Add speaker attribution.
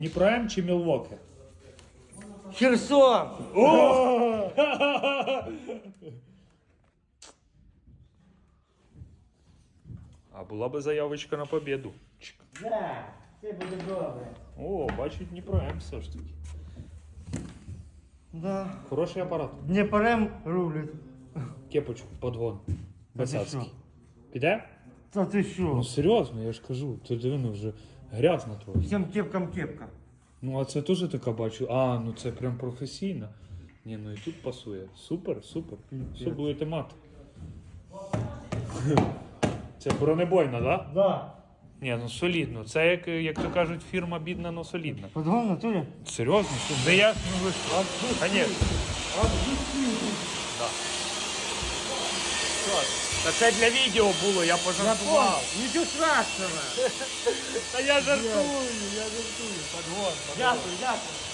Speaker 1: Дніпро М чи Мілвокі?
Speaker 2: Херсон!
Speaker 1: А була би заявочка на победу. Чик.
Speaker 2: Да, все буде добре.
Speaker 1: О, бачу, Дніпро М все ж таки.
Speaker 2: Да.
Speaker 1: Хороший апарат.
Speaker 2: Дніпрем рулить.
Speaker 1: Кепочку, подгон.
Speaker 2: Та ти
Speaker 1: Басацький.
Speaker 2: що?
Speaker 1: Піде?
Speaker 2: Та ти що?
Speaker 1: Ну серйозно, я ж кажу. Ти диви, ну вже грязно трохи.
Speaker 2: Всім кепкам кепка.
Speaker 1: Ну а це теж така бачу. А, ну це прям професійно. Ні, ну і тут пасує. Супер, супер. Все будете мати. Це бронебойна, да?
Speaker 2: Да.
Speaker 1: Ні, ну солідно. Це як то кажуть, фірма бідна, но солідна.
Speaker 2: Подгон в натурі?
Speaker 1: Серйозно? Де я? Ну ви що? Конечно. Да. Та це для відео було, я пожартував.
Speaker 2: Нічого страшного.
Speaker 1: Та я жартую, подгон.
Speaker 2: Дякую, дякую.